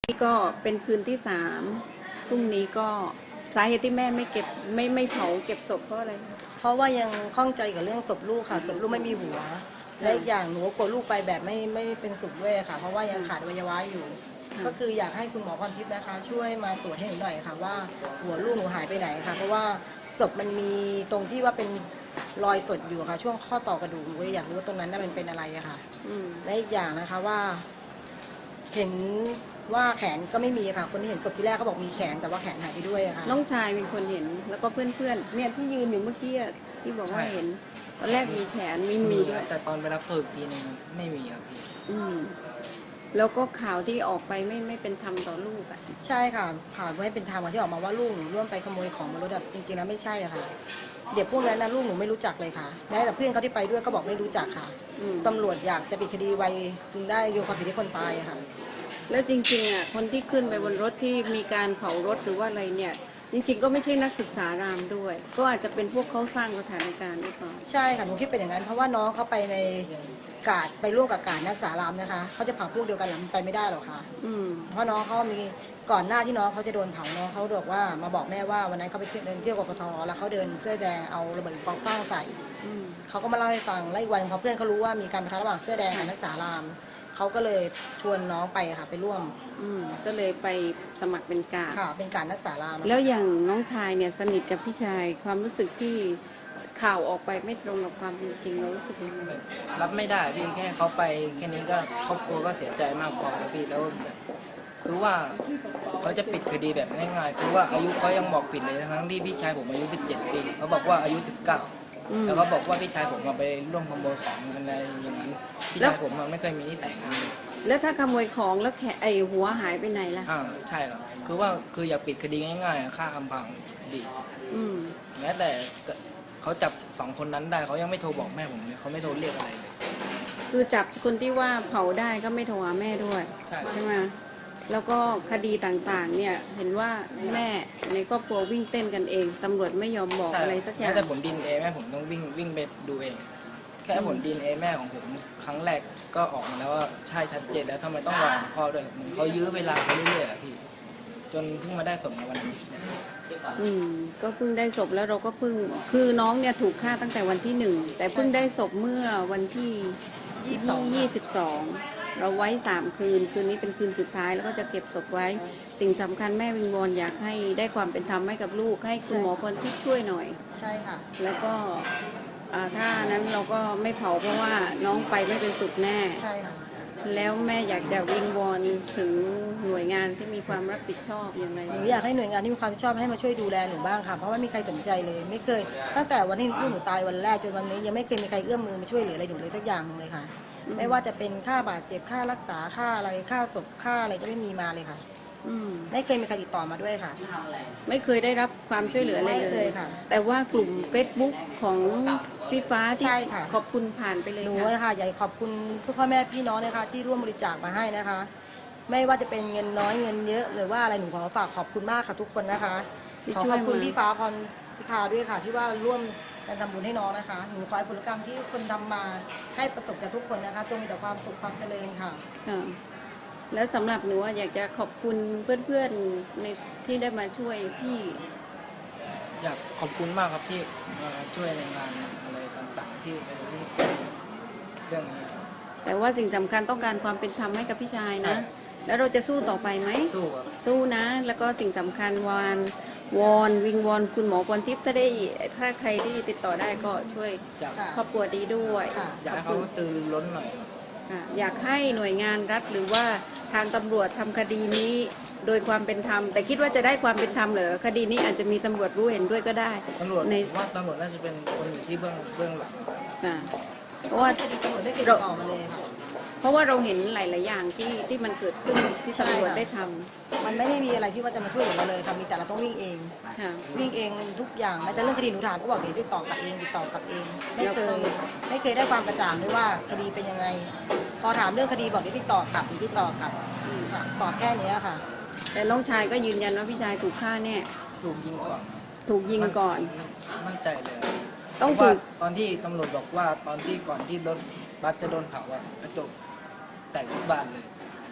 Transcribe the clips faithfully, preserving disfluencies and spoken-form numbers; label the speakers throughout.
Speaker 1: นี่ก็เป็นคืนที่สามพรุ่งนี้ก็สาเหตุที่แม่ไม่เก็บไม่ไม่เผาเก็บศพเพราะอะไร
Speaker 2: เพราะว่ายังข้องใจกับเรื่องศพลูกค่ะศพลูกไม่มีหัวและอีกอย่างหนูกลัวลูกไปแบบไม่ไม่เป็นสุขด้วยค่ะเพราะว่ายังขาดอวัยวะอยู่ก็คืออยากให้คุณหมอพรทิพย์นะคะช่วยมาตรวจให้หนูหน่อยค่ะว่าหัวลูกหนูหายไปไหนค่ะเพราะว่าศพมันมีตรงที่ว่าเป็นรอยสดอยู่ค่ะช่วงข้อต่อกระดูกหนูอยากรู้ว่าตรงนั้นมันเป็นอะไรอะค่ะและอีกอย่างนะคะว่าเห็นว่าแขนก็ไม่มีค่ะคนที่เห็นศพที่แรกเขาบอกมีแขนแต่ว่าแขนหายไปด้วยค่ะ
Speaker 1: น้องชายเป็นคนเห็นแล้วก็เพื่อนๆเนี่ยที่ยืนอยู่เมื่อกี้ที่บอกว่าเห็นตอนแรกมีแขนมีมือด้วย
Speaker 3: แต่ตอนไปรับตัวอีกทีนึงไม่มีครับพี่
Speaker 1: อืมแล้วก็ข่าวที่ออกไปไม่ไม่เป็นธรรมต่อลูกอ่ะ
Speaker 2: ใช่ค่ะข่าวไม่เป็นธรรมที่ออกมาว่าลูกหนูร่วมไปขโมยของบนรถแบบจริงๆแล้วไม่ใช่อะค่ะเด็กพวกนั้นนะลูกหนูไม่รู้จักเลยค่ะแม้แต่เพื่อนเขาที่ไปด้วยก็บอกไม่รู้จักค่ะตำรวจอยากจะปิดคดีไวจึงได้โยนความผิดให้คนตายอะค่ะ
Speaker 1: แล้วจริงๆอ่ะคนที่ขึ้นไปบนรถที่มีการเผารถหรือว่าอะไรเนี่ยจริงๆก็ไม่ใช่นักศึกษารามด้วยก็อาจจะเป็นพวกเขาสร้างสถานการณ์หรือเปล่า
Speaker 2: ใช่ค่ะหนูคิดเป็นอย่างนั้นเพราะว่าน้องเขาไปในกาดไปร่วมกับกาดนักศึกษารามนะคะเขาจะเผาพวกเดียวกันหรือไปไม่ได้หรอกค่ะเพราะน้องเขามีก่อนหน้าที่น้องเขาจะโดนเผาน้องเขาบอกว่ามาบอกแม่ว่าวันนั้นเขาไปเดินเที่ยวกกทแล้วเขาเดินเสื้อแดงเอาระเบิดปิงปองคว้างใส่เขาก็มาเล่าให้ฟังแล้วอีกวันพอเพื่อนเขารู้ว่ามีการปะทะระหว่างเสื้อแดงกับนักศึกษารามเขาก็เลยชวนน้องไปค่ะไปร่วม
Speaker 1: ก็เลยไปสมัครเป็นกาด
Speaker 2: ค่ะเป็นการนักศึกษาราม
Speaker 1: แล้วอย่างน้องชายเนี่ยสนิทกับพี่ชายความรู้สึกที่ข่าวออกไปไม่ตรงกับความเป็นจริงเรารู้สึกยังไง
Speaker 3: รับไม่ได้พี่แค่เขาไปแค่นี้ก็ครอบครัวก็เสียใจมากพอแล้วพี่แล้วแบบคือว่าเขาจะปิดคดีแบบง่ายๆคือว่าอายุเขายังบอกผิดเลยทั้งที่พี่ชายผมอายุสิบเจ็ดปีเขาบอกว่าอายุสิบเก้าแล้วเขาบอกว่าพี่ชายผมมาไปร่วมขโมยของอะไรอย่างนั้นพี่ชายผมมันไม่เคยมีนิสัยนี้
Speaker 1: แล้วถ้าขโมยของแล้วแขไอหัวหายไปไหนล่ะ
Speaker 3: อ่าใช่ครับคือว่าคืออยากปิดคดีง่ายๆฆ่าอำพรางดีแม้แต่เขาจับสองคนนั้นได้เขายังไม่โทรบอกแม่ผมเลยเขาไม่โทรเรียกอะไรเลย
Speaker 1: คือจับคนที่ว่าเผาได้ก็ไม่โทรหาแม่ด้วยใช่ใช่ไหมแล้วก็คดีต่างๆเนี่ยเห็นว่าแม่ในครอบครัววิ่งเต้นกันเองตำรวจไม่ยอมบอกอะไรสักอย่าง
Speaker 3: แม้แต่ผลดีเอ็นเอแม่ผมต้องวิ่งวิ่งไปดูเองแค่ผลดีเอ็นเอแม่ของผมครั้งแรกก็ออกมาแล้วว่าใช่ชัดเจนแล้วทำไมต้องรอพ่อด้วยเหมือนเขายื้อเวลาไปเรื่อยๆพี่จนเพิ่งมาได้ศพในวันนี้
Speaker 1: อืมก็เพิ่งได้ศพแล้วเราก็เพิ่งคือน้องเนี่ยถูกฆ่าตั้งแต่วันที่หนึ่งแต่เพิ่งได้ศพเมื่อวันที่ยี่สิบสองเราไว้สามคืนคืนนี้เป็นคืนสุดท้ายแล้วก็จะเก็บศพไว้สิ่งสำคัญแม่วิงวอนอยากให้ได้ความเป็นธรรมให้กับลูกให้คุณหมอพรทิพย์ช่วยหน่อย
Speaker 2: ใช่ค่ะ
Speaker 1: แล้วก็ถ้านั้นเราก็ไม่เผาเพราะว่าน้องไปไม่เป็นสุขแน่
Speaker 2: ใช่ค่ะ
Speaker 1: แล้วแม่อยากจะวิงวอนถึงหน่วยงานที่มีความรับผิดชอบอย่างไร
Speaker 2: หนูอยากให้หน่วยงานที่มีความรับผิดชอบให้มาช่วยดูแลหนูบ้างค่ะเพราะว่าไม่มีใครสนใจเลยไม่เคยตั้งแต่วันที่ลูกหนูตายวันแรกจนวันนี้ยังไม่เคยมีใครเอื้อมมือมาช่วยเหลืออะไรหนูเลยสักอย่างเลยค่ะไม่ว่าจะเป็นค่าบาดเจ็บค่ารักษาค่าอะไรค่าศพค่าอะไรก็ไม่มีมาเลยค่ะไม่เคยมีใครติดต่อมาด้วยค่ะ
Speaker 1: ไม่เคยได้รับความช่วยเหลืออะไรเลย
Speaker 2: ค่ะ
Speaker 1: แต่ว่ากลุ่ม เฟซบุ๊ก ของพี่ฟ้าที่ขอบคุณผ่านไปเลย
Speaker 2: หนูค่ะใหญ่ขอบคุณพ่อแม่พี่น้องนะคะที่ร่วมบริจาคมาให้นะคะไม่ว่าจะเป็นเงินน้อยเงินเยอะหรือว่าอะไรหนูขอฝากขอบคุณมากค่ะทุกคนนะคะขอขอบคุณพี่ฟ้าพรพิพาด้วยค่ะที่ว่าร่วมการทำบุญให้น้องนะคะหนูขอให้ผลกรรมที่คนทำมาให้ประสบกับทุกคนนะคะจงมีแต่ความสุขความเจริญค่ะ
Speaker 1: แล้วสำหรับหนูอยากจะขอบคุณเพื่อนๆในที่ได้มาช่วยพี่
Speaker 3: อยากขอบคุณมากครับที่มาช่วยในงานอะไรต่างๆที่เป็นเรื่องนี้
Speaker 1: แต่ว่าสิ่งสำคัญต้องการความเป็นธรรมให้กับพี่ชายนะแล้วเราจะสู้ต่อไปไหม
Speaker 3: สู้ครับ
Speaker 1: สู้นะแล้วก็สิ่งสำคัญวานวอนวิงวอนคุณหมอพรทิพย์ถ้าได้ถ้าใครที่ติดต่อได้ก็ช่วยครอบครัวดีด้วย
Speaker 3: อยากให้เขาตื่นล้นหน่อย
Speaker 1: อยากให้หน่วยงานรัฐหรือว่าทางตำรวจทำคดีนี้โดยความเป็นธรรมแต่คิดว่าจะได้ความเป็นธรรมเหรอคดีนี้อาจจะมีตำรวจรู้เห็นด้วยก็ได้
Speaker 3: ตำรวจว่าตำรวจน่าจะเป็นคนอยู่ที่เบื้องเบื้องหลัง
Speaker 1: เพราะว่า
Speaker 2: ตำรวจได้เก็บเราออกมาเลยค่ะ
Speaker 1: เพราะว่าเราเห็นหลายๆอย่างที่ที่มันเกิดขึ้นที่ตำรวจได้ท
Speaker 2: ำมันไม่ได้มีอะไรที่ว่าจะมาช่วยเหลือเราเลยค่ะมีแต่เราต้องวิ่งเองวิ่งเองทุกอย่างแม้แต่เรื่องคดีหนูถามก็บอกเดี๋ยวติดต่อกับเองติดต่อกับเองไม่เคยไม่เคยได้ความกระจ่างเลยว่าคดีเป็นยังไงพอถามเรื่องคดีบอกเดี๋ยวติดต่อกลับติดต่อกลับตอบแค่นี้ค่ะ
Speaker 1: แต่น้องชายก็ยืนยันว่าพี่ชายถูกฆ่าแน่
Speaker 3: ถูกยิงก่อน
Speaker 1: ถูกยิงก่อน
Speaker 3: มั่นใจเลย
Speaker 1: ต้องถูก
Speaker 3: ตอนที่ตำรวจบอกว่าตอนที่ก่อนที่รถบัสจะโดนเผาอะกระจกแตกทุกบานเลย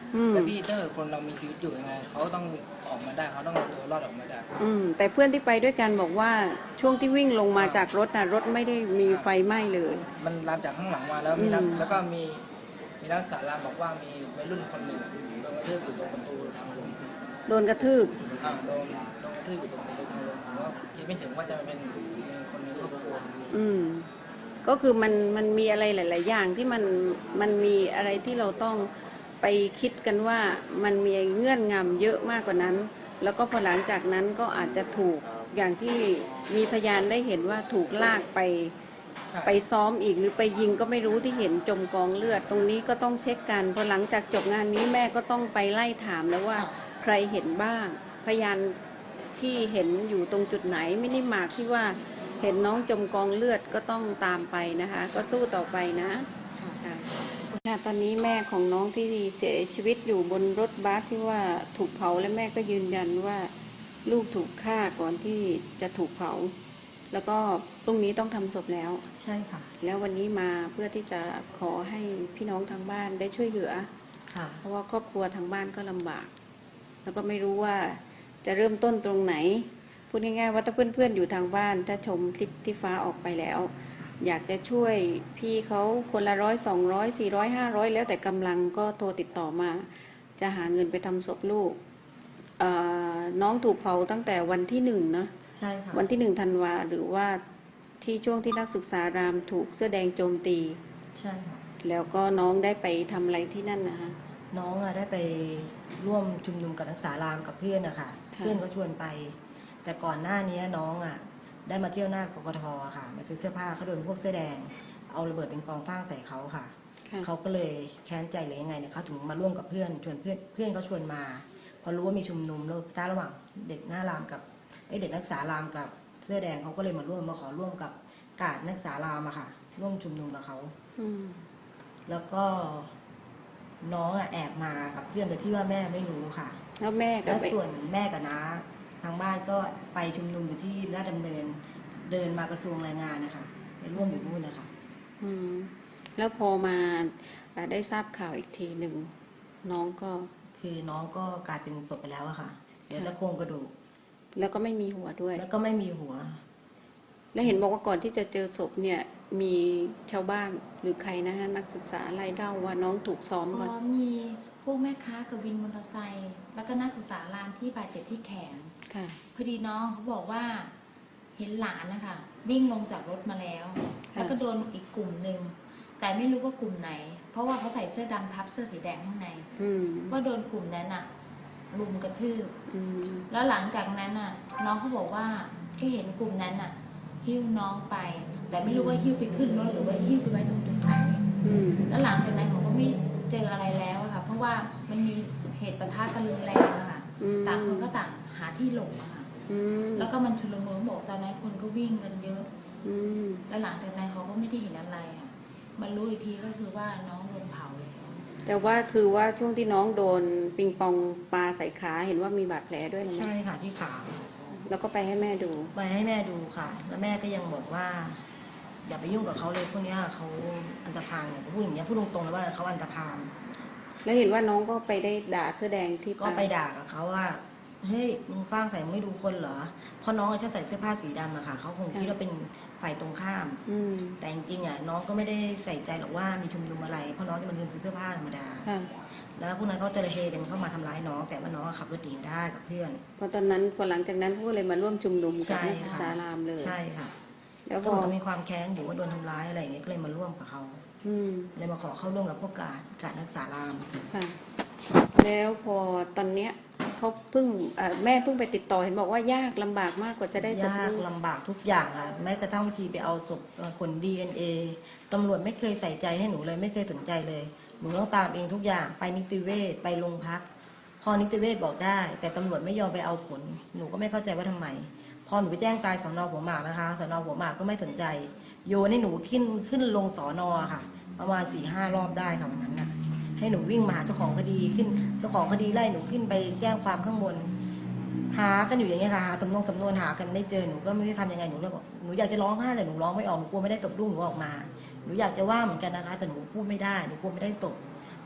Speaker 1: อืม
Speaker 3: แต่พี่ถ้าเกิดคนเรามีชีวิตอยู่ยังไงเขาต้องออกมาได้เขาต้องเอาตัวรอดออกมาได้
Speaker 1: อืมแต่เพื่อนที่ไปด้วยกันบอกว่าช่วงที่วิ่งลงมาจากรถนะรถไม่ได้มีไฟไหม้เลย
Speaker 3: มันลามจากข้างหลังมาแล้วมีนัก
Speaker 1: อืม
Speaker 3: แล้วก็มีมีนักศึกษารามบอกว่ามีวัยรุ่นคนหนึ่งโดนกระทืบอยู่ตรงประตูทางลง
Speaker 1: โดนกระทืบ
Speaker 3: อ่าโดนโดนกระทืบอยู่ตรงประตูทางลงผมก็คิดไม่ถึงว่าจะเป็นคนในครอบครัว
Speaker 1: อืมก็คือมันมันมีอะไรหลาย ๆ อย่างที่มันมันมีอะไรที่เราต้องไปคิดกันว่ามันมีเงื่อนงำเยอะมากกว่านั้น แล้วก็พอหลังจากนั้นก็อาจจะถูกอย่างที่มีพยานได้เห็นว่าถูกลากไป
Speaker 3: ใช่
Speaker 1: ไปซ้อมอีกหรือไปยิงก็ไม่รู้ที่เห็นจมกองเลือด ตรงนี้ก็ต้องเช็คกันพอหลังจากจบงานนี้แม่ก็ต้องไปไล่ถามแล้วว่าใครเห็นบ้าง พยานที่เห็นอยู่ตรงจุดไหนมินิมาร์คที่ว่าเห็นน้องจมกองเลือดก็ต้องตามไปนะคะ ก็สู้ต่อไปนะค่ะค่ะตอนนี้แม่ของน้องที่เสียชีวิตอยู่บนรถบัสที่ว่าถูกเผาและแม่ก็ยืนยันว่าลูกถูกฆ่าก่อนที่จะถูกเผา แล้วก็พรุ่งนี้ต้องทำศพแล้ว
Speaker 2: ใช่ค่ะ
Speaker 1: แล้ววันนี้มาเพื่อที่จะขอให้พี่น้องทางบ้านได้ช่วยเหลือ
Speaker 2: ค่ะ
Speaker 1: เพราะว่าครอบครัวทางบ้านก็ลำบาก แล้วก็ไม่รู้ว่าจะเริ่มต้นตรงไหน พูดง่ายๆว่าถ้าเพื่อนๆอยู่ทางบ้าน ถ้าชมคลิปที่ฟ้าออกไปแล้ว อยากจะช่วยพี่เขาคนละร้อยสองร้อยสี่ร้อยห้าร้อยแล้วแต่กำลังก็โทรติดต่อมา จะหาเงินไปทำศพลูกเอ่อน้องถูกเผาตั้งแต่วันที่หนึ่งเนาะ
Speaker 2: ใช่ค่ะ
Speaker 1: วันที่หนึ่งธันวาหรือว่าที่ช่วงที่นักศึกษารามถูกเสื้อแดงโจมตี
Speaker 2: ใช่ค่ะ
Speaker 1: แล้วก็น้องได้ไปทำอะไรที่นั่นนะคะ
Speaker 2: น้องอะได้ไปร่วมชุมนุมกับนักศึกษารามกับเพื่อนอะค่ะ
Speaker 1: ค่ะ
Speaker 2: เพื่อนก็ชวนไป แต่ก่อนหน้านี้น้องอะได้มาเที่ยวหน้ากกทอะค่ะ มาซื้อเสื้อผ้าเขาโดนพวกเสื้อแดง เอาระเบิดปิงปองฟาดใส่เขาค่ะ
Speaker 1: ค่ะ
Speaker 2: เขาก็เลยแค้นใจหรือยังไงเนี่ยเขาถึงมาร่วมกับเพื่อนชวนเพื่อนเพื่อนเขาชวนมา พอรู้ว่ามีชุมนุมแล้วท้าระหว่างเด็กหน้ารามกับไอยเด็กนักศึกษารามกับเสื้อแดงเขาก็เลยมาร่วมมาขอร่วมกับกาดนักศึกษารามอะค่ะ ร่วมชุมนุมกับเขา
Speaker 1: อืม
Speaker 2: แล้วก็น้องอะแอบมากับเพื่อนโดยที่ว่าแม่ไม่รู้ค่ะ
Speaker 1: แล้วแม่กั
Speaker 2: แล้
Speaker 1: บ
Speaker 2: ว
Speaker 1: ไอ้
Speaker 2: ส่วนแม่กับน้าทางบ้านก็ไปชุมนุมอยู่ที่ราชดำเนิน เดินมากระทรวงแรงงานนะคะไปร่วมอยู่นู่นนะคะ
Speaker 1: อืมแล้วพอมาอ่าได้ทราบข่าวอีกทีหนึ่งน้องก็
Speaker 2: คือน้องก็กลายเป็นศพไปแล้วอะค่ะเดี๋ยวแต่โครงกระดูก
Speaker 1: แล้วก็ไม่มีหัวด้วย
Speaker 2: แล้วก็ไม่มีหัว
Speaker 1: แล้วเห็นบอกว่าก่อนที่จะเจอศพเนี่ยมีชาวบ้านหรือใครนะฮะนักศึกษาไล่เล่าว่าน้องถูกซ้อม
Speaker 4: อ๋
Speaker 1: ก่อน
Speaker 4: อมีพวกแม่ค้ากับวินมอเตอร์ไซค์แล้วก็นักศึกษารามที่บาดเจ็บที่แขน
Speaker 1: ค่ะ
Speaker 4: พอดีน้องเขาบอกว่าเห็นหลานนะคะวิ่งลงจากรถมาแล้ว แล้วก็โดนอีกกลุ่มหนึ่งแต่ไม่รู้ว่ากลุ่มไหน เพราะว่าเขาใส่เสื้อดำทับเสื้อสีแดงข้างใน
Speaker 1: อืม
Speaker 4: ว่าโดนกลุ่มนั้นอะรุมกระทืบ
Speaker 1: อืม
Speaker 4: แล้วหลังจากนั้นอะน้องเขาบอกว่าก็เห็นกลุ่มนั้นอะหิ้วน้องไป แต่ไม่รู้ว่าหิ้วไปขึ้นรถหรือว่าหิ้วไปไว้ตรงจุดไหน
Speaker 1: อืม
Speaker 4: แล้วหลังจากนั้นเขาก็ไม่เจออะไรแล้วอะค่ะ เพราะว่ามันมีเหตุปะทะกันรุนแรงอะค่ะ
Speaker 1: อืม
Speaker 4: ต่างคนก็ต่างหาที่หลบอะค่ะ
Speaker 1: อืม
Speaker 4: แล้วก็มันชุลมุนบอกตอนนั้นคนก็วิ่งกันเยอะ
Speaker 1: อืม
Speaker 4: แล้วหลังจากนั้นเขาก็ไม่ได้เห็นอะไรอะมันรู้อีกทีก็คือว่าน้องโดนเผาแล้ว
Speaker 1: แต่ว่าคือว่าช่วงที่น้องโดนปิงปองปลาใส่ขาเห็นว่ามีบาดแผลด้วยนะ
Speaker 2: ใช่ค่ะที่ขา
Speaker 1: แล้วก็ไปให้แม่ดู
Speaker 2: ไปให้แม่ดูค่ะ แล้วแม่ก็ยังบอกว่า อย่าไปยุ่งกับเขาเลยพวกเนี้ยเขาอันธพาลเนี่ยพูดอย่างเงี้ยพูดตรงๆเลยว่าเขาอันธพาล
Speaker 1: แล้วเห็นว่าน้องก็ไปได้ด่าเสื้อแดงที่
Speaker 2: ก็ไปด่ากับเขาว่าเฮ้ยมึงฟ้างใส่มึงไม่ดูคนเหรอเพราะน้องชอบใส่เสื้อผ้าสีดำอะค่ะเขาคงคิดว่าเป็นฝ่ายตรงข้าม
Speaker 1: อืม
Speaker 2: แต่จริงๆอะน้องก็ไม่ได้ใส่ใจหรอกว่ามีชุมนุมอะไรเพราะน้องจะมันเดินซื้อเสื้อผ้าธรรมดา
Speaker 1: ค่ะ
Speaker 2: แล้วพวกนั้นก็จะระเฮกันเข้ามาทำร้ายน้อง แต่ว่าน้องขับรถหนีได้กับเพื่อน
Speaker 1: เพราะตอนนั้นพอหลังจากนั้นก็เลยมาร่วมชุมนุมกับ
Speaker 2: ใช่
Speaker 1: นักศึก
Speaker 2: ค่ะ
Speaker 1: ษารามเลย
Speaker 2: ใช่ค่ะ
Speaker 1: แล้ว
Speaker 2: ก็
Speaker 1: พอ
Speaker 2: เหมือนกับมีความแค้นอยู่ว่าโดนทำร้ายอะไรอย่างเงี้ยก็เลยมาร่วมกับเขา
Speaker 1: อืม
Speaker 2: เลยมาขอเข้าร่วมกับพวกกาดกาดนักศึกษาราม
Speaker 1: ค่ะ แล้วพอตอนเนี้ยเขาเพิ่งเอ่อแม่เพิ่งไปติดต่อเห็นบอกว่ายากลำบากมากกว่าจะได้ศพ
Speaker 2: ยาก
Speaker 1: ลูก
Speaker 2: ลำบากทุกอย่างค่ะแม้กระทั่งวิธีไปเอาศพเอ่อผล ดี เอ็น เอ ตำรวจไม่เคยใส่ใจให้หนูเลยไม่เคยสนใจเลยหนูต้องตามเองทุกอย่างไปนิติเวชไปโรงพัก พอนิติเวชบอกได้ แต่ตำรวจไม่ยอมไปเอาผล หนูก็ไม่เข้าใจว่าทำไม พอหนูไปแจ้งตายสอนอหัวหมากนะคะสอนอหัวหมากก็ไม่สนใจ โยนให้หนูขึ้นขึ้นลงสอนอค่ะ ประมาณสี่ห้ารอบได้ค่ะวันนั้นน่ะให้หนูวิ่งมาหาเจ้าของคดีขึ้นเจ้าของคดีไล่หนูขึ้นไปแจ้งความข้างบน หากันอยู่อย่างเงี้ยค่ะหาสำนวนสำนวนหากันไม่เจอหนูก็ไม่รู้จะทำยังไงหนูเลยบอกหนูอยากจะร้องไห้แต่หนูร้องไม่ออกหนูกลัวไม่ได้ศพลูกหนูออกมาหนูอยากจะว่าเหมือนกันนะคะ แต่หนูพูดไม่ได้หนูกลัวไม่ได้ศพ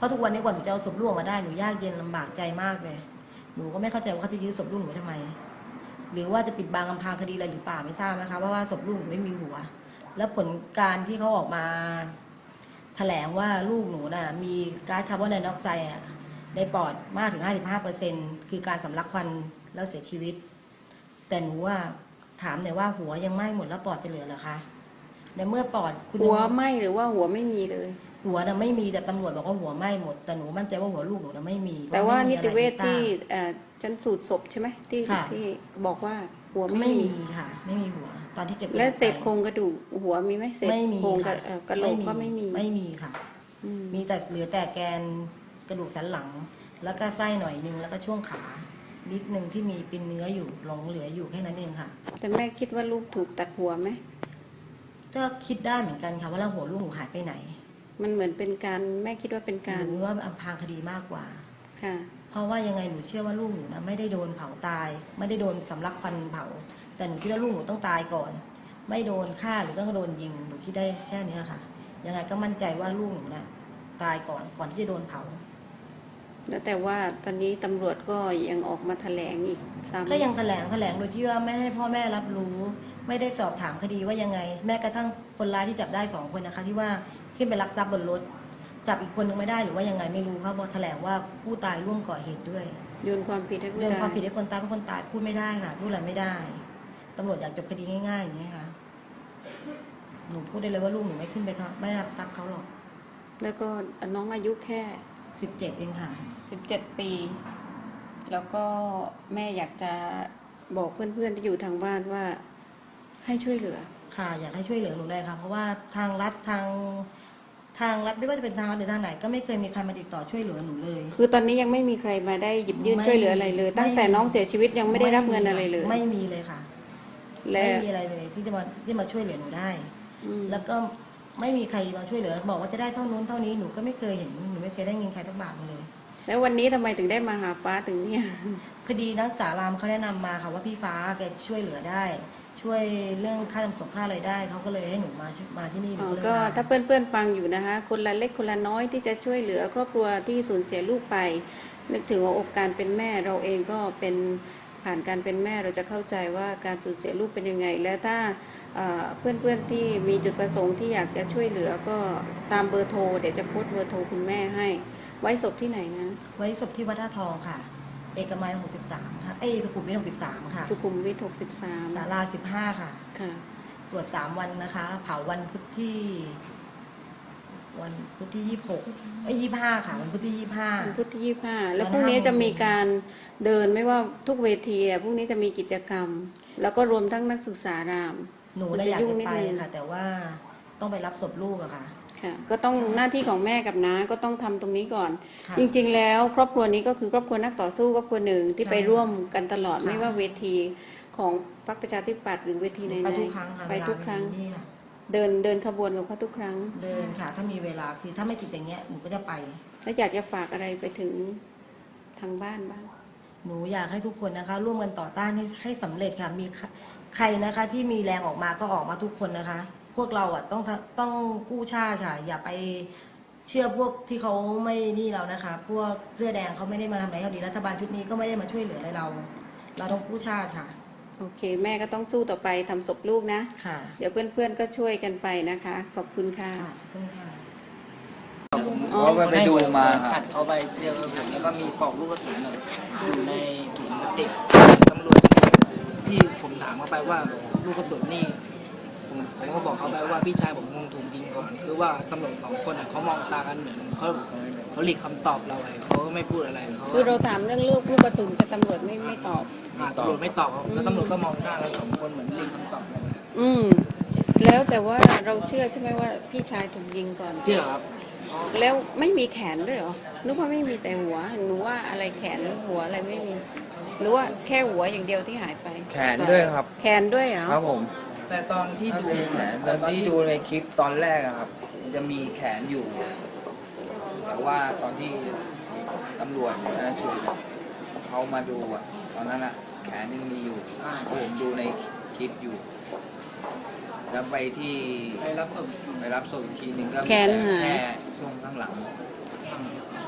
Speaker 2: ราะทุกวันนี้กว่าหนูจะเอาศพลูกออกมาได้หนูยากเย็นลำบากใจมากเลยหนูก็ไม่เข้าใจว่าเขาจะยื้อศพลูกหนูไว้ทำไมหรือว่าจะปิดบังอำพรางคดีอะไรหรือเปล่าไม่ทราบนะคะเพราะว่าศพลูกหนูไม่มีหัวแล้วผลการที่เขาออกมาแถลงว่าลูกหนูน่ะมีก๊าซคาร์บอนไดออกไซด์ในปอดมากถึง ห้าสิบห้าเปอร์เซ็นต์ คือการสำลักควันแล้วเสียชีวิตแต่หนูว่าถามหน่อยว่าหัวยังไหม้หมดแล้วปอดจะเหลือเหรอคะในเมื่อปอดคุณ
Speaker 1: หัวไหมหรือว่าหัวไม่มีเลย
Speaker 2: หัวน่ะไม่มีแต่ตำรวจบอกว่าหัวไหม้หมดแต่หนูมั่นใจว่าหัวลูกหนูน่ะไม่มี
Speaker 1: แต่ว่า
Speaker 2: พระ
Speaker 1: นิ
Speaker 2: ไม่มี
Speaker 1: ติเวช
Speaker 2: อะไร
Speaker 1: ที่
Speaker 2: ทราบ
Speaker 1: เอ่อชันสูตรศพใช่ไหมที่
Speaker 2: ค่ะ
Speaker 1: ที่บอกว่าหัวไม่
Speaker 2: ไม่
Speaker 1: มี
Speaker 2: มีค่ะ ไม่มีหัว ตอนที่เก็บ
Speaker 1: และเศษ
Speaker 2: ไป
Speaker 1: โครงกระดูกหัวมีไหมเศษ
Speaker 2: ไม่มี
Speaker 1: โครงกระ
Speaker 2: ค่ะ
Speaker 1: เอ่อกระโหลกก็ไม่มี
Speaker 2: ไม่มีค่ะ
Speaker 1: อืม
Speaker 2: มีแต่เหลือแต่แกนกระดูกสันหลัง แล้วก็ไส้หน่อยนึงแล้วก็ช่วงขานิดนึงที่มีเป็นเนื้ออยู่หลงเหลืออยู่แค่นั้นเองค่ะ
Speaker 1: แต่แม่คิดว่าลูกถูกตัดหัวไหม
Speaker 2: ก็คิดได้เหมือนกันค่ะว่าแล้วหัวลูกหนูหายไปไหน
Speaker 1: มันเหมือนเป็นการแม่คิดว่าเป็นการ
Speaker 2: หนูว่าอำพรางคดีมากกว่า
Speaker 1: ค่ะ
Speaker 2: เพราะว่ายังไงหนูเชื่อว่าลูกหนูนะไม่ได้โดนเผาตาย ไม่ได้โดนสำลักควันเผา แต่หนูคิดว่าลูกหนูต้องตายก่อน ไม่โดนฆ่าหรือต้องโดนยิงหนูคิดได้แค่นี้ค่ะ ยังไงก็มั่นใจว่าลูกหนูนะตายก่อนก่อนที่จะโดนเผา
Speaker 1: แล้วแต่ว่าตอนนี้ตำรวจก็ยังออกมาแถลงอีกซ้ำ
Speaker 2: ก็ยังแถลงแถลงโดยที่ว่าไม่ให้พ่อแม่รับรู้ ไม่ได้สอบถามคดีว่ายังไง แม้กระทั่งคนร้ายที่จับได้สองคนนะคะ ที่ว่าขึ้นไปลักทรัพย์บนรถจับอีกคนนึงไม่ได้หรือว่ายังไงไม่รู้เขาบอกแถลงว่าผู้ตายร่วมก่อเหตุด้วย
Speaker 1: โยนความผิดให้ผู้
Speaker 2: เรื่อง
Speaker 1: ตาย
Speaker 2: ความผิดให้คนตายเพราะคนตายพูดไม่ได้ค่ะพูดอะไรไม่ได้ตำรวจอยากจบคดีง่ายๆอย่างนี้ยค่ะหนูพูดได้เลยว่าลูกหนูไม่ขึ้นไปเขาไม่รับทรัพย์เขาหรอก
Speaker 1: แล้วก็น้องอายุแค่
Speaker 2: สิบเจ็ดเองค่ะ
Speaker 1: สิบเจ็ดปี แล้วก็แม่อยากจะบอกเพื่อนๆที่อยู่ทางบ้านว่าให้ช่วยเหลือ
Speaker 2: ค่ะอยากให้ช่วยเหลือหนูเลยค่ะเพราะว่าทางรัฐทางทางรัฐไม่ว่าจะเป็นทางรัฐหรือทางไหนก็ไม่เคยมีใครมาติดต่อช่วยเหลือหนูเลย
Speaker 1: คือตอนนี้ยังไม่มีใครมาได้หยิบยื่น
Speaker 2: ไม่
Speaker 1: ช่วยเหลืออะไรเลย ตั้งแต่
Speaker 2: ไม่
Speaker 1: น้องเสียชีวิตยังไม่ได้รับเงินอะไรเลย
Speaker 2: ไม่มีเลยค่ะ
Speaker 1: และ
Speaker 2: ไม่มีอะไรเลยที่จะมาที่มาช่วยเหลือหนูได้
Speaker 1: อืม
Speaker 2: แล้วก็ไม่มีใครมาช่วยเหลือบอกว่าจะได้เท่านู้นเท่านี้หนูก็ไม่เคยเห็นหนูไม่เคยได้เงินใครสักบาทเลย
Speaker 1: แล้ววันนี้ทำไมถึงได้มาหาฟ้าถึงเนี่ย
Speaker 2: คดีนักศึกษารามเขาแนะนำมาค่ะว่าพี่ฟ้าแกช่วยเหลือได้ ช่วยเรื่องค่าทำศพค่าอะไรได้เขาก็เลยให้หนูมามาที่นี่หนู
Speaker 1: อ๋อ
Speaker 2: เลย
Speaker 1: ก็
Speaker 2: มา
Speaker 1: ถ้าเพื่อนๆฟังอยู่นะคะ คนละเล็กคนละน้อยที่จะช่วยเหลือครอบครัวที่สูญเสียลูกไป นึกถึงหัวอกการเป็นแม่เราเองก็เป็นผ่านการเป็นแม่เราจะเข้าใจว่าการสูญเสียลูกเป็นยังไง แล้วถ้าเอ่อเพื่อนๆที่มีจุดประสงค์ที่อยากจะช่วยเหลือก็ตามเบอร์โทรเดี๋ยวจะโพสต์เบอร์โทรคุณแม่ให้ ไว้ศพที่ไหนนะ
Speaker 2: ไว้ศพที่วัดท่าทองค่ะ เอกมัยหกสิบสามค่ะเอ้ยสุขุมวิทหกสิบสามค่ะ
Speaker 1: สุขุมวิทหกสิบสาม
Speaker 2: ศาลาสิบห้าค่ะ
Speaker 1: ค่ะ
Speaker 2: สวดสามวันนะคะ เผาวันพุธที่ วันพุธที่ยี่สิบหกเอ้ยยี่สิบห้าค่ะ วันพุธที่ยี่สิบห้า
Speaker 1: วันพุธที่ยี่สิบห้าแล้ว
Speaker 2: ตอน
Speaker 1: พรุ่งนี้
Speaker 2: ห้าโมง
Speaker 1: จะมีการเดินไม่ว่าทุกเวทีอะพรุ่งนี้จะมีกิจกรรม แล้วก็รวมทั้งนักศึกษาราม
Speaker 2: หนู
Speaker 1: มัน
Speaker 2: น่ะ
Speaker 1: จะ
Speaker 2: อยาก
Speaker 1: ยุ่ง
Speaker 2: จะ
Speaker 1: นิด
Speaker 2: ไป
Speaker 1: นึง
Speaker 2: ค่ะ แต่ว่าต้องไปรับศพลูกอะค่ะ
Speaker 1: ค่ะก็ต้องหน้าที่ของแม่กับน้าก็ต้องทำตรงนี้ก่อน
Speaker 2: ค่ะ
Speaker 1: จริงๆแล้วครอบครัวนี้ก็คือครอบครัวนักต่อสู้ครอบครัวหนึ่งที่
Speaker 2: ใช่
Speaker 1: ไปร่วมกันตลอด
Speaker 2: ค่ะ
Speaker 1: ไม่ว่าเวทีของพรรคประชาธิปัตย์หรือเวทีไหนๆ
Speaker 2: ไปทุกครั้งค่ะ
Speaker 1: ไปทุกครั้ง
Speaker 2: เวลามีนี่ค่ะ
Speaker 1: เดินเดินขบวนกับเขาทุกครั้ง
Speaker 2: เดินค่ะ ถ้ามีเวลาคือถ้าไม่ติดอย่างเงี้ยหนูก็จะไป
Speaker 1: แล้วอยากจะฝากอะไรไปถึงทางบ้านบ้าง
Speaker 2: หนูอยากให้ทุกคนนะคะ ร่วมกันต่อต้านให้ให้สำเร็จค่ะ มีใครนะคะ ที่มีแรงออกมาก็ออกมาทุกคนนะคะ พวกเราอ่ะต้องต้องกู้ชาติค่ะ อย่าไปเชื่อพวกที่เขาไม่นี่เรานะคะ พวกเสื้อแดงเขาไม่ได้มาทำอะไรเขาดีรัฐบาลชุดนี้ก็ไม่ได้มาช่วยเหลืออะไรเรา เราต้องกู้ชาติค่ะ
Speaker 1: โอเค แม่ก็ต้องสู้ต่อไปทำศพลูกนะ
Speaker 2: ค่ะ
Speaker 1: เดี๋ยวเพื่อนๆก็ช่วยกันไปนะคะ ขอบคุณค่ะ
Speaker 2: ค่ะขอบคุณค่ะ
Speaker 1: อ๋อ
Speaker 5: เพราะว่าไปดูมาค
Speaker 3: ขั
Speaker 5: รั
Speaker 3: ด
Speaker 5: บ
Speaker 3: เขาไปเสื้อผมแล้วก็มีปลอกลูกกระสุนอะอยู่ในถุงพลาสติกตำรวจที่ผมถามเขาไปว่าลูกกระสุนนี่ผมผมก็บอกเขาไปว่าพี่ชายผมคงถูกยิงก่อนคือว่าตำรวจสองคนอะเขามองตากันเหมือนเขาเขาหลีกคำตอบเราไปเขาก็ไม่พูดอะไรเขา
Speaker 1: คือเราถามเรื่องลูกลูกกระสุนแต่ตำรวจไม่ไม่ตอบ
Speaker 3: อ่าตำรวจไม่ตอบครับแล้วตำรวจก็มองหน้ากันสองคนเหมือนหลีกคำตอบเราไป
Speaker 1: อืม แล้วแต่ว่าเราเชื่อใช่ไหมว่าพี่ชายถูกยิงก่อน
Speaker 3: เชื่อครับ
Speaker 1: แล้วไม่มีแขนด้วยเหรอนึกว่าไม่มีแต่หัวหนูว่าอะไรแขนหัวอะไรไม่มีหรือว่าแค่หัวอย่างเดียวที่หายไป
Speaker 5: แขนด้วยครับ
Speaker 1: แขนด้วยเหรอ
Speaker 5: ครับผม
Speaker 3: แต่ตอนที่
Speaker 5: ที่
Speaker 3: ดู
Speaker 5: ดูแขนตอนที่ดูในคลิปตอนแรกอะครับ มันจะมีแขนอยู่ แต่ว่าตอนที่ตำรวจชนสูตรเขามาดูอะตอนนั้นอะแขนยังมีอยู่เพราะผมดูในคลิปอยู่ แล้วไปที่
Speaker 3: ไปรับศพ
Speaker 5: ไปรับศพอีกทีหนึ่งก็มี
Speaker 1: แขน
Speaker 5: แต่
Speaker 1: หาย
Speaker 5: แค่ช่วงข้างหลัง
Speaker 3: อ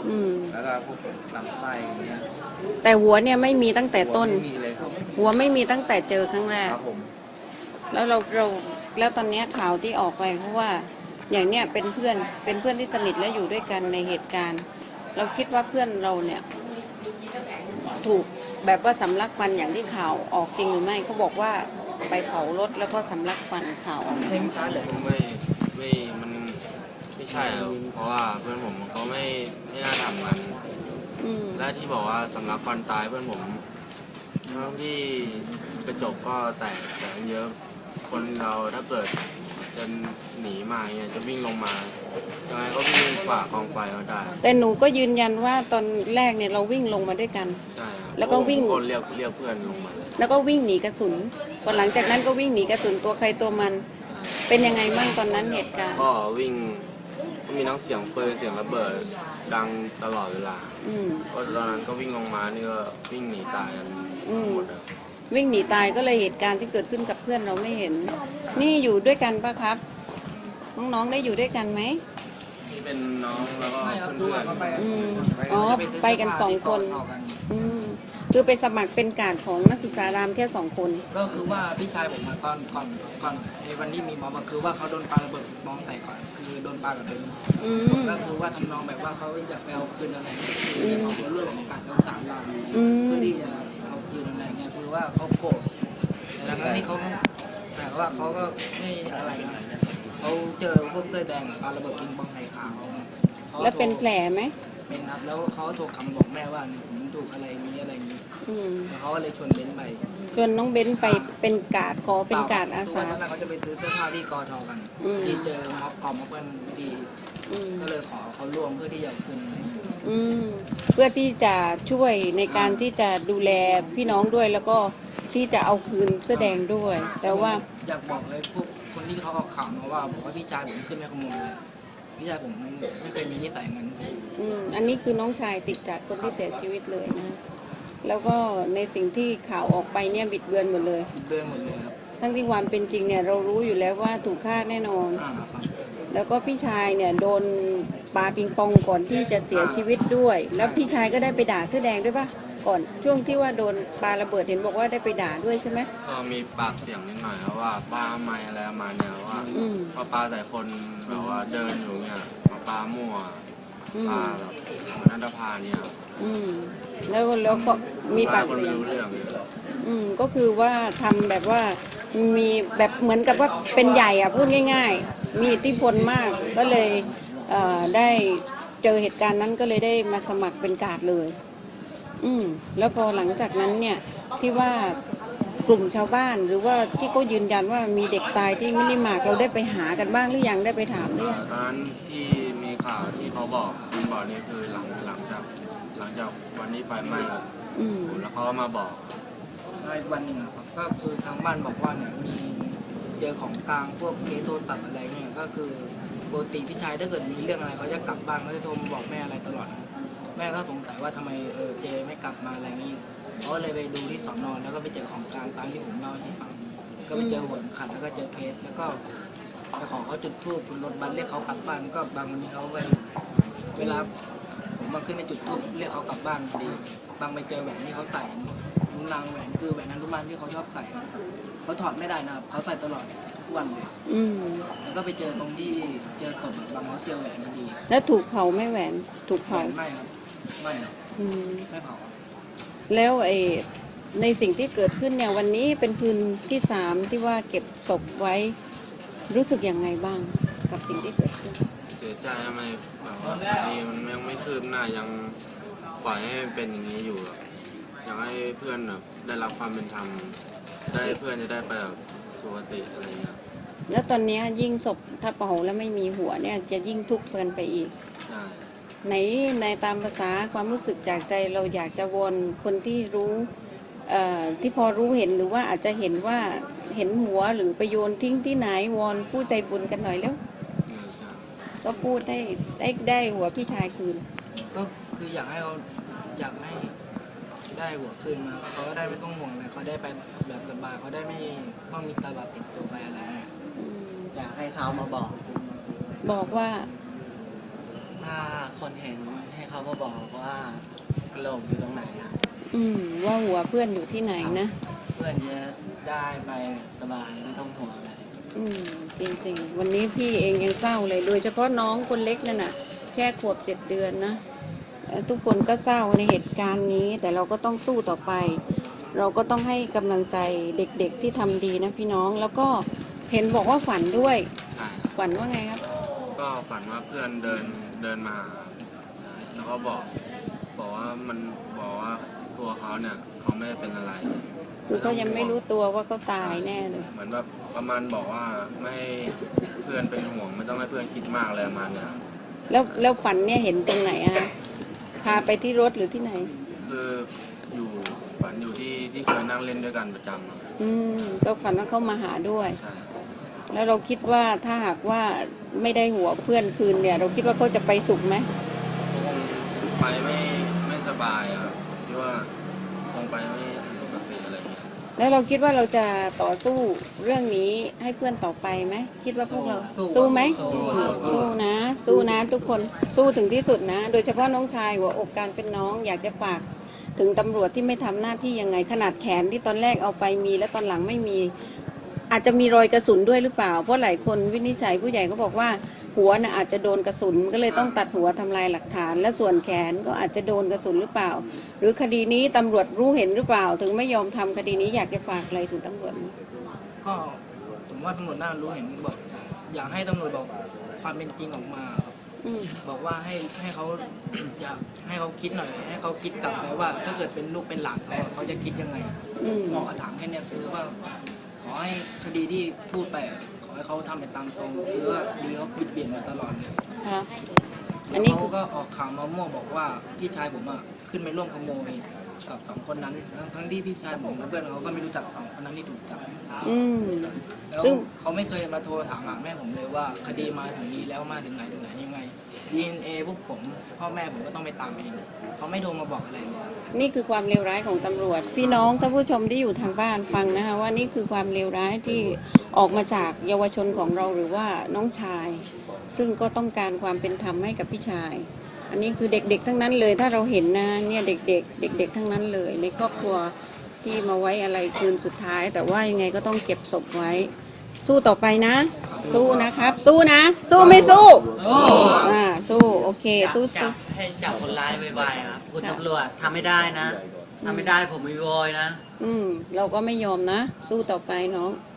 Speaker 1: อืม
Speaker 5: แล้วก็พวกลำไส้อย่างเงี้ย
Speaker 1: แต่หัวเนี่ยไม่มีตั้งแต่ต้น
Speaker 5: หัวไม่มีเลยครับ
Speaker 1: หัวไม่มีตั้งแต่เจอครั้งแรก
Speaker 5: ครับผม
Speaker 1: แล้วเราเราแล้วตอนเนี้ยข่าวที่ออกไปเพราะว่าอย่างเนี้ยเป็นเพื่อนเป็นเพื่อนที่สนิทและอยู่ด้วยกันในเหตุการณ์ เราคิดว่าเพื่อนเราเนี่ยถูกแบบว่าสำลักควันอย่างที่ข่าวออกจริงหรือไม่เขาบอกว่าไปเผารถแล้วก็สำลักควันข่าวออกมา
Speaker 3: เต็มฟ้าเลย
Speaker 6: ไม่ไม่มันไม่ใช่ครับเพราะว่าเพื่อนผมเขาไม่ไม่น่าทำกัน
Speaker 1: อืม
Speaker 6: และที่บอกว่าสำลักควันตายเพื่อนผมทั้งที่กระจกก็แตกแตกเยอะ คนเราถ้าเกิดจะหนีมาเนี่ยจะวิ่งลงมายังไงก็วิ่งฝ่ากองไฟมาได้
Speaker 1: แต่หนูก็ยืนยันว่าตอนแรกเนี่ยเราวิ่งลงมาด้วยกัน
Speaker 6: ใช่ครับ
Speaker 1: แล้วก็วิ่ง
Speaker 6: ทุคนเรียกเรียกเพื่อนลงมา
Speaker 1: แล้วก็วิ่งหนีกระสุนพอหลังจากนั้นก็วิ่งหนีกระสุนตัวใครตัวมัน เป็นยังไงบ้างตอนนั้นเหตุการณ์
Speaker 6: ก็วิ่งก็มีทั้งเสียงปืนเสียงระเบิดดังตลอดเวลา
Speaker 1: อืม
Speaker 6: ก็ตอนนั้นก็วิ่งลงมานี่ก็วิ่งหนีตายกัน
Speaker 1: อืม
Speaker 6: หมดเลย
Speaker 1: วิ่งหนีตายก็เลยเหตุการณ์ที่เกิดขึ้นกับเพื่อนเราไม่เห็น นี่อยู่ด้วยกันปะครับ น้องๆได้อยู่ด้วยกันไหม
Speaker 6: นี่เป็นน้องแล้วก็
Speaker 3: ไม่ครับคือ
Speaker 6: เพื่อ
Speaker 3: ว่าน เขาไป
Speaker 1: อืมอ๋อไปกันสองคน
Speaker 3: เท่ากัน
Speaker 1: อืมคือไปสมัครเป็นการดของนักศึกษารามแค่สองคน
Speaker 3: ก็คือว่าพี่ชายผมอะตอนก่อนก่อนไอ้วันที่มีม็อบอะคือว่าเขาโดนปาระเบิดมองใส่ก่อนคือโดนปากับเดิน
Speaker 1: อืม
Speaker 3: ก็คือว่าทำนองแบบว่าเขาอยากไปเอาคืนอะไรคือในของเรื่องของการรักษาเรา
Speaker 1: อืม
Speaker 3: เพื่อที่จะเอาคืนอะไรเงี้ยคือว่าเขาโกรธแต่ทั้งที่เขาแต่ว่าเขาก็ไม่อะไรนะเขาเจอพวกเสื้อแดงปาระเบิดปิงปองใส่ขาวขา
Speaker 1: แล้วเป็นแผลไหม
Speaker 3: เป็นครับแล้วเขาโทรคำบอกแม่ว่าเนี่ยผมถูกอะไรมีอะไรอย่างนี้
Speaker 1: อืม
Speaker 3: แล้วเขาก็เลยชวนเบนซ์ไป
Speaker 1: จนน้องเบ้นไปเป็นการดขอเป็นการดอา
Speaker 3: ทุก
Speaker 1: สา
Speaker 3: วันนั้นเขาจะไปซื้อเสื้อผ้าที่กอทอกัน
Speaker 1: อืม
Speaker 3: ที่เจอม็อบกอม็อบกันพอดี
Speaker 1: อืม
Speaker 3: ก็เลยขอเขาร่วมเพื่อที่จะเอาคืน
Speaker 1: อืมเพื่อที่จะช่วยในการที่จะดูแลพี่น้องด้วย แล้วก็ที่จะเอาคืนเสื้อแดงด้วย แต่ว่า
Speaker 3: อยากบอกเลยพวกคนที่เขาออกข่าวมาว่าบอกว่าพี่ชายผมขึ้นไม่ขโมยเลยพี่ชายผมไม่เคยมีนิสัยงั้น
Speaker 1: อืมอันนี้คือน้องชายติดจากคนที่เสียชีวิตเลยนะ แล้วก็ในสิ่งที่ข่าวออกไปเนี่ยบิดเบือนหมดเลย
Speaker 3: บิดเบือนหมดเลยครับ
Speaker 1: ทั้งที่ความเป็นจริงเนี่ยเรารู้อยู่แล้วว่าถูกฆ่าแน่นอน
Speaker 3: อ่าครับ
Speaker 1: แล้วก็พี่ชายเนี่ยโดนปาปิงปองก่อนที่จะเสียชีวิตด้วย แล้วพี่ชายก็ได้ไปด่าเสื้อแดงด้วยปะก่อนช่วงที่ว่าโดนปาระเบิดเห็นบอกว่าได้ไปด่าด้วยใช่ไหม
Speaker 6: ก็มีปากเสียงนิดหน่อยครับว่าป้าไม่อะไรประมาณเนี่ยว่า
Speaker 1: อืม
Speaker 6: พอปลาใส่คนแบบว่าเดินอยู่เนี่ยมาปลามั่ว
Speaker 1: อืม
Speaker 6: ปลาแบบเหมือนอันดพาลเนี่ย
Speaker 1: อืมแล้วแล้วก็มีปาก
Speaker 6: คน
Speaker 1: เสี
Speaker 6: ไม่
Speaker 1: ยง
Speaker 6: รู้เรื่องเลย
Speaker 1: อืมก็คือว่าทำแบบว่ามีแบบเหมือนกับว่าเป็นใหญ่อะพูดง่าย ๆ มีอิทธิพลมากก็เลยเอ่อได้เจอเหตุการณ์นั้นก็เลยได้มาสมัครเป็นการ์ดเลย อืมแล้วพอหลังจากนั้นเนี่ยที่ว่ากลุ่มชาวบ้านหรือว่าที่เขายืนยันว่ามีเด็กตายที่มินิมาร์ทเราได้ไปหากันบ้างหรือยังได้ไปถามหรือยัง
Speaker 6: ตอนนั้นที่มีข่าวที่เขาบอกคุณบอกนี่คือหลังหลังจากหลังจากวันนี้ไฟไหม้
Speaker 1: อืม
Speaker 6: แล้วเขาก็มาบอก
Speaker 3: แล้วอีกวันหนึ่งอะครับก็คือทางบ้านบอกว่าเนี่ยมีเจอของกลางพวกเคสโทรศัพท์อะไรเนี่ยก็คือปกติพี่ชายถ้าเกิดมีเรื่องอะไรเขาจะกลับบ้านเขาจะโทรมาบอกแม่อะไรตลอด แม่ก็สงสัยว่าทำไมเออเจไม่กลับมาอะไรนี้เขาก็เลยไปดูที่สอนอนแล้วก็ไปเจอของกลางตามที่ผมเล่าให้ฟังก็ไปเจอหัวเข็มขัดแล้วก็เจอเคสแล้วก็ไปขอเขาจุดธูปบนรถบัสเรียกเขากลับบ้านก็บางวันนี้เขาไปเวลาผมมาขึ้นไปจุดธูปเรียกเขากลับบ้านพอดีบางไปเจอแหวนที่เขาใส่นิ้วนางแหวนคือแหวนอนุมานที่เขาชอบใส่เขาถอดไม่ได้นะครับเขาใส่ตลอดทุกวันเลย
Speaker 1: อืม
Speaker 3: แล้วก็ไปเจอตรงที่เจอศพบางเขาเจอแหวนพอดี
Speaker 1: แล้วถูกเผาไหม่แหวนถูก
Speaker 3: แหว
Speaker 1: เผา
Speaker 3: นไม่ครับไม่ครับ
Speaker 1: อืม
Speaker 3: ไม่เผา
Speaker 1: แล้วไอ้ในสิ่งที่เกิดขึ้นเนี่ยวันนี้เป็นคืนที่สามที่ว่าเก็บศพไว้รู้สึกยังไงบ้างกับสิ่งที่เกิดขึ้น
Speaker 6: เสียใจทำไมแบบว่าคดีมันยังไม่คืบหน้ายังปล่อยให้เป็นอย่างนี้อยู่อะอยากให้เพื่อนแบบได้รับความเป็นธรรมได้เพื่อนจะได้ไปแบบสุขติอะไรเงี้ย
Speaker 1: แล้วตอนเนี้ยยิ่งศพถ้าเผาแล้วไม่มีหัวเนี่ยจะยิ่งทุกข์เกินไปอีก
Speaker 6: ใช่
Speaker 1: ไหนในตามภาษาความรู้สึกจากใจเราอยากจะวอนคนที่รู้เอ่อที่พอรู้เห็นหรือว่าอาจจะเห็นว่าเห็นหัวหรือไปโยนทิ้งที่ไหนวอนผู้ใจบุญกันหน่อยแล้ว
Speaker 6: เออใช่
Speaker 1: ก็พูดได้ได้ได้หัวพี่ชายคืน
Speaker 3: ก็คืออยากให้เขาอยากให้ได้หัวคืนมาเขาก็ได้ไม่ต้องห่วงอะไรเขาได้ไปแบบสบายเขาได้ไม่ต้องมีตาบาปติดตัวไปอะไรเงี้ย
Speaker 1: อืม
Speaker 2: อยากให้เขามาบอก
Speaker 1: บอกว่า
Speaker 3: ก
Speaker 7: ถ้าคนเห็นให้เขามาบอกว่ากระโหลกอยู่ตรงไหนครับ
Speaker 1: อืมว่าหัวเพื่อนอยู่ที่ไหนนะ
Speaker 7: เพื่อนจะได้ไปสบายไม่ต้องห่วงอะไร
Speaker 1: อืมจริงๆ วันนี้พี่เองยังเศร้าเลย โดยเฉพาะน้องคนเล็กนั่นน่ะ แค่ขวบเจ็ดเดือนนะเอ่อทุกคนก็เศร้าในเหตุการณ์นี้ แต่เราก็ต้องสู้ต่อไป เราก็ต้องให้กำลังใจเด็กๆที่ทำดีนะพี่น้อง แล้วก็เห็นบอกว่าฝันด้วย
Speaker 6: ใช่
Speaker 1: ฝันว่าไงครับ
Speaker 6: ก็ฝันว่าเพื่อนเดินเดินมาใช่แล้วก็บอกบอกว่ามันบอกว่าตัวเขาเนี่ยเขาไม่ได้เป็นอะไร
Speaker 1: คือเขายังไม่รู้ตัวว่าเขาตายแน่เลย
Speaker 6: เหมือนแบบประมาณบอกว่าไม่ให้เพื่อนเป็นห่วงไม่ต้องให้เพื่อนคิดมากอะไรประมาณเนี้ย
Speaker 1: แล้วแล้วฝันเนี่ยเห็นตรงไหนอะคะพาไปที่รถหรือที่ไหน
Speaker 6: คืออยู่ฝันอยู่ที่ที่เคยนั่งเล่นด้วยกันประจำอะ
Speaker 1: อืมก็ฝันว่าเขามาหาด้วย
Speaker 6: ใช่
Speaker 1: แล้วเราคิดว่าถ้าหากว่าไม่ได้หัวเพื่อนคืนเนี่ย เราคิดว่าเขาจะไปสุขไหม
Speaker 6: คงไปไม่ไม่สบายอะครับคิดว่าคงไปไม่สุขสีอะไรอย่างเงี้ย
Speaker 1: แล้วเราคิดว่าเราจะต่อสู้เรื่องนี้ให้เพื่อนต่อไปไหมคิดว่าพวกเรา
Speaker 3: สู้
Speaker 1: สู้ไหม
Speaker 3: สู้
Speaker 1: สู้นะ สู้นะทุกคนสู้ถึงที่สุดนะ โดยเฉพาะน้องชายหัวอกการเป็นน้องอยากจะฝากถึงตำรวจที่ไม่ทำหน้าที่ยังไงขนาดแขนที่ตอนแรกเอาไปมีแล้วตอนหลังไม่มี อาจจะมีรอยกระสุนด้วยหรือเปล่า เพราะหลายคนวินิจฉัยผู้ใหญ่ก็บอกว่าหัวน่ะอาจจะโดนกระสุนก็เลยต้องตัดหัวทำลายหลักฐาน และส่วนแขนก็อาจจะโดนกระสุนหรือเปล่า หรือคดีนี้ตำรวจรู้เห็นหรือเปล่า ถึงไม่ยอมทำคดีนี้อยากจะฝากอะไรถึงตำรวจไหม
Speaker 3: ก็ผมว่าตำรวจน่ารู้เห็นบอกอยากให้ตำรวจบอกความเป็นจริงออกมาครับ
Speaker 1: อืม
Speaker 3: บอกว่าให้ให้เขา อยากให้เขาคิดหน่อย ให้เขาคิดกลับไปว่า ถ้าเกิดเป็นลูกเป็นหลานเขาเขาจะคิดยังไง
Speaker 1: อืม
Speaker 3: หมอถามแค่เนี้ยคือว่า ขอให้คดีที่พูดไปอะขอให้เขาทำไปตามตรงคือว่าดีเขาบิดเบียนมาตลอดเลย
Speaker 1: ค่ะอั
Speaker 3: แล้
Speaker 1: น
Speaker 3: ว
Speaker 1: นี้
Speaker 3: เขา
Speaker 1: คือ
Speaker 3: ก็ออกข่าวมามั่วบอกว่าพี่ชายผมอ่ะขึ้นไปร่วมขโมยกับสองคนนั้นทั้งทั้งที่พี่ชายผมและเพื่อนเขาก็ไม่รู้จักสองคนนั้นที่ถูกจับ
Speaker 1: อืม
Speaker 3: แล้ว
Speaker 1: ซึ่ง
Speaker 3: เขาไม่เคยมาโทรถามหาแม่ผมเลยว่าคดีมาถึงนี้แล้วมาถึงไหนถึงไหนยังไง ดี เอ็น เอ พวกผมพ่อแม่ผมก็ต้องไปตามเองเขาไม่โทรมาบอกอะไรเลยครับ
Speaker 1: นี่คือความเลวร้ายของตำรวจ พี่น้องท่านผู้ชมที่อยู่ทางบ้านฟังนะคะว่านี่คือความเลวร้ายที่ออกมาจากเยาวชนของเราหรือว่าน้องชาย ซึ่งก็ต้องการความเป็นธรรมให้กับพี่ชาย อันนี้คือเด็กๆทั้งนั้นเลยถ้าเราเห็นนะเนี่ยเด็กๆ เด็ก ๆ ทั้งนั้นเลย ในครอบครัวที่มาไว้อะไรคืนสุดท้าย แต่ว่ายังไงก็ต้องเก็บศพไว้ สู้ต่อไปนะ สู้นะครับ สู้นะ สู้ไม่สู้อ่าสู้โอเค
Speaker 7: อยาก
Speaker 1: สู้
Speaker 7: จั
Speaker 1: สู้
Speaker 7: บให้จับคนร้ายไวๆครับคุณ
Speaker 1: ค่ะ
Speaker 7: ตำรวจทำไม่ได้นะทำไม่ได้ผมไม่โวยนะ
Speaker 1: อืมเราก็ไม่ยอมนะ สู้ต่อไปน้อง